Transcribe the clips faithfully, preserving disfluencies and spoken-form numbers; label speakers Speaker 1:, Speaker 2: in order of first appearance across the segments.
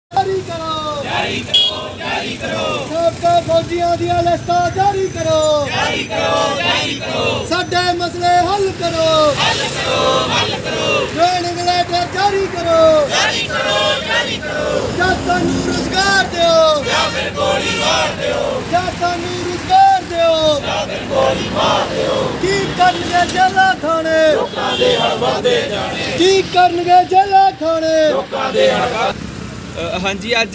Speaker 1: जारी करो
Speaker 2: जारी करो जारी करो
Speaker 1: सबका फौजियां दी लिस्टां जारी करो
Speaker 2: जारी करो जारी करो
Speaker 1: साडे मसले हल करो
Speaker 2: हल करो हल करो
Speaker 1: ट्रेनिंग लेटर जारी करो
Speaker 2: जारी करो जारी करो
Speaker 1: ਜਾਂ ਸਾਨੂੰ ਰੁਜ਼ਗਾਰ ਦਿਓ
Speaker 2: या फिर गोली मार दो
Speaker 1: ਜਾਂ ਸਾਨੂੰ ਰੁਜ਼ਗਾਰ ਦਿਓ
Speaker 2: या फिर गोली मार दो
Speaker 1: ਕੀ ਕਰਨਗੇ ਜੇਲ੍ਹਾਂ ਖਾਣੇ
Speaker 2: लोकां दे हड़वा दे जाने
Speaker 1: ਕੀ ਕਰਨਗੇ ਜੇਲ੍ਹਾਂ ਖਾਣੇ
Speaker 2: लोकां दे हड़वा
Speaker 3: ਹਾਂਜੀ ਅੱਜ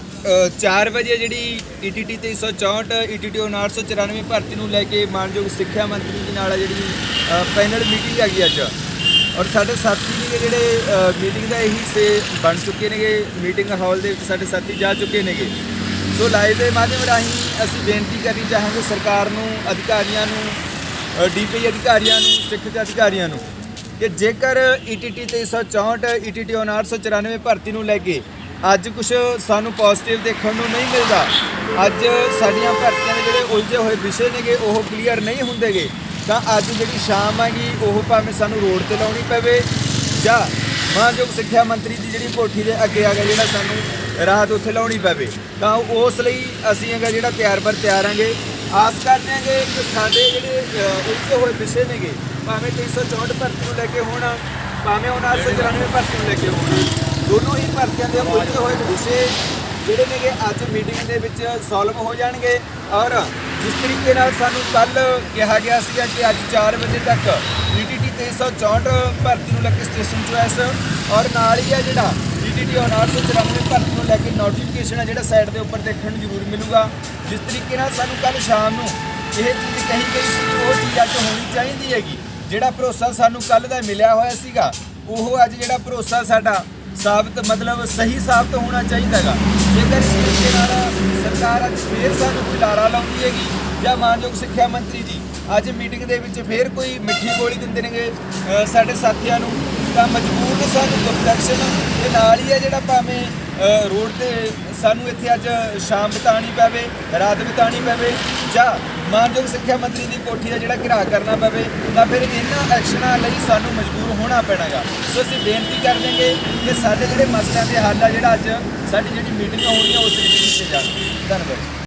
Speaker 3: ਚਾਰ ਵਜੇ ਜਿਹੜੀ ਈ ਟੀ ਟੀ ਤਿੰਨ ਸੌ ਚੌਂਹਠ ਈ ਟੀ ਟੀ ਉਨਾਹਠ ਸੌ ਚੁਰਾਨਵੇਂ ਭਰਤੀ ਨੂੰ ਲੈ ਕੇ ਮਾਨਯੋਗ ਸਿੱਖਿਆ ਮੰਤਰੀ ਦੇ ਨਾਲ ਜਿਹੜੀ ਪੈਨਲ ਮੀਟਿੰਗ ਹੈਗੀ ਅੱਜ ਔਰ ਸਾਡੇ ਸਾਥੀ ਨੇ ਜਿਹੜੇ ਮੀਟਿੰਗ ਦਾ ਇਹੀ ਹਿੱਸੇ ਬਣ ਚੁੱਕੇ ਨੇਗੇ। ਮੀਟਿੰਗ ਹਾਲ ਦੇ ਵਿੱਚ ਸਾਡੇ ਸਾਥੀ ਜਾ ਚੁੱਕੇ ਨੇਗੇ। ਸੋ ਲਾਈਵ ਦੇ ਮਾਧਿਅਮ ਰਾਹੀਂ ਅਸੀਂ ਬੇਨਤੀ ਕਰਨੀ ਚਾਹਾਂਗੇ ਸਰਕਾਰ ਨੂੰ, ਅਧਿਕਾਰੀਆਂ ਨੂੰ, ਡੀ ਪੀ ਅਧਿਕਾਰੀਆਂ ਨੂੰ, ਸਿੱਖਿਆ ਅਧਿਕਾਰੀਆਂ ਨੂੰ ਕਿ ਜੇਕਰ ਈ ਟੀ ਟੀ ਤਿੰਨ ਸੌ ਚੌਂਹਠ ਈ ਟੀ ਟੀ ਉਨਾਹਠ ਸੌ ਚੁਰਾਨਵੇਂ ਭਰਤੀ ਨੂੰ ਲੈ ਕੇ ਅੱਜ ਕੁਝ ਸਾਨੂੰ ਪੋਜ਼ਿਟਿਵ ਦੇਖਣ ਨੂੰ ਨਹੀਂ ਮਿਲਦਾ, ਅੱਜ ਸਾਡੀਆਂ ਭਰਤੀਆਂ ਦੇ ਜਿਹੜੇ ਉਲਝੇ ਹੋਏ ਵਿਸ਼ੇ ਨੇਗੇ ਉਹ ਕਲੀਅਰ ਨਹੀਂ ਹੁੰਦੇਗੇ, ਤਾਂ ਅੱਜ ਜਿਹੜੀ ਸ਼ਾਮ ਹੈਗੀ ਉਹ ਭਾਵੇਂ ਸਾਨੂੰ ਰੋਡ ਤੇ ਲਾਉਣੀ ਪਵੇ ਜਾਂ ਮਾਨਯੋਗ ਸਿੱਖਿਆ ਮੰਤਰੀ ਦੀ ਜਿਹੜੀ ਕੋਠੀ ਦੇ ਅੱਗੇ ਆ ਗਿਆ ਜਿਹੜਾ ਸਾਨੂੰ ਰਾਹਤ ਉੱਥੇ ਲਾਉਣੀ ਪਵੇ, ਤਾਂ ਉਸ ਲਈ ਅਸੀਂ ਹੈਗਾ ਜਿਹੜਾ ਤਿਆਰ ਬਰ ਤਿਆਰ ਆਂਗੇ। ਆਸ ਕਰਦੇ ਹਾਂਗੇ ਕਿ ਸਾਡੇ ਜਿਹੜੇ ਉਲਝੇ ਹੋਏ ਵਿਸ਼ੇ ਨੇਗੇ ਭਾਵੇਂ ਤਿੰਨ ਸੌ ਚੌਂਹਠ ਭਰਤੀ ਨੂੰ ਲੈ ਕੇ ਹੋਣ, ਭਾਵੇਂ ਉਨਾਹਠ ਸੌ ਚੁਰਾਨਵੇਂ ਭਰਤੀ ਨੂੰ ਲੈ ਕੇ ਹੋਣ, ਦੋਨੋਂ ਹੀ ਭਰਤੀਆਂ ਦੇ ਉਲਝੇ ਹੋਏ ਵਿਸ਼ੇ ਜਿਹੜੇ ਨੇਗੇ ਅੱਜ ਮੀਟਿੰਗ ਦੇ ਵਿੱਚ ਸੋਲਵ ਹੋ ਜਾਣਗੇ। ਔਰ ਜਿਸ ਤਰੀਕੇ ਨਾਲ ਸਾਨੂੰ ਕੱਲ੍ਹ ਕਿਹਾ ਗਿਆ ਸੀਗਾ ਕਿ ਅੱਜ ਚਾਰ ਵਜੇ ਤੱਕ ਈ ਟੀ ਟੀ ਤਿੰਨ ਸੌ ਚੌਂਹਠ ਭਰਤੀ ਨੂੰ ਲੈ ਕੇ ਸਟੇਸ਼ਨ ਚੁਆਇਸ ਔਰ ਨਾਲ ਹੀ ਆ ਜਿਹੜਾ ਈ ਟੀ ਟੀ ਉਨਾਹਠ ਸੌ ਚੁਰਾਨਵੇਂ ਭਰਤੀ ਨੂੰ ਲੈ ਕੇ ਨੋਟੀਫਿਕੇਸ਼ਨ ਹੈ ਜਿਹੜਾ ਸਾਈਡ ਦੇ ਉੱਪਰ ਦੇਖਣ ਨੂੰ ਜ਼ਰੂਰ ਮਿਲੂਗਾ। ਜਿਸ ਤਰੀਕੇ ਨਾਲ ਸਾਨੂੰ ਕੱਲ੍ਹ ਸ਼ਾਮ ਨੂੰ ਇਹ ਚੀਜ਼ ਕਹੀ ਗਈ ਸੀ ਉਹ ਚੀਜ਼ ਅੱਜ ਹੋਣੀ ਚਾਹੀਦੀ ਹੈਗੀ। ਜਿਹੜਾ ਭਰੋਸਾ ਸਾਨੂੰ ਕੱਲ੍ਹ ਦਾ ਮਿਲਿਆ ਹੋਇਆ ਸੀਗਾ ਉਹ ਅੱਜ ਜਿਹੜਾ ਭਰੋਸਾ ਸਾਡਾ ਸਾਬਤ ਮਤਲਬ ਸਹੀ ਸਾਬਤ ਹੋਣਾ ਚਾਹੀਦਾ ਹੈਗਾ। ਜੇਕਰ ਇਸ ਤਰੀਕੇ ਨਾਲ ਸਰਕਾਰ ਅੱਜ ਫੇਰ ਸਾਨੂੰ ਕੋਈ ਲਾਰਾ ਲਾਉਂਦੀ ਹੈਗੀ ਜਾਂ ਮਾਨਯੋਗ ਸਿੱਖਿਆ ਮੰਤਰੀ ਜੀ ਅੱਜ ਮੀਟਿੰਗ ਦੇ ਵਿੱਚ ਫੇਰ ਕੋਈ ਮਿੱਠੀ ਗੋਲੀ ਦਿੰਦੇ ਨੇਗੇ ਸਾਡੇ ਸਾਥੀਆਂ ਨੂੰ, ਤਾਂ ਮਜਬੂਰ ਨੇ ਸਾਨੂੰ ਕੰਪਲੈਕਸ਼ਨ ਦੇ ਨਾਲ ਹੀ ਹੈ ਜਿਹੜਾ ਭਾਵੇਂ ਰੋਡ ਤੇ ਸਾਨੂੰ ਇੱਥੇ ਅੱਜ ਸ਼ਾਮ ਬਿਤਾਉਣੀ ਪਵੇ, ਰਾਤ ਬਿਤਾਉਣੀ ਪਵੇ ਜਾਂ ਮਾਨਯੋਗ ਸਿੱਖਿਆ ਮੰਤਰੀ ਦੀ ਕੋਠੀ ਦਾ ਜਿਹੜਾ ਘਿਰਾਅ ਕਰਨਾ ਪਵੇ, ਤਾਂ ਫਿਰ ਇਹਨਾਂ ਐਕਸ਼ਨਾਂ ਲਈ ਸਾਨੂੰ ਮਜਬੂਰ ਹੋਣਾ ਪੈਣਾਗਾ। ਸੋ ਅਸੀਂ ਬੇਨਤੀ ਕਰ ਦੇਂਗੇ ਕਿ ਸਾਡੇ ਜਿਹੜੇ ਮਸਲਿਆਂ ਦੇ ਹੱਲ ਆ ਜਿਹੜਾ ਅੱਜ ਸਾਡੀ ਜਿਹੜੀ ਮੀਟਿੰਗ ਹੋਣੀ ਆ ਉਸ ਵਿੱਚ ਕੀਤੇ ਜਾਣ। ਧੰਨਵਾਦ।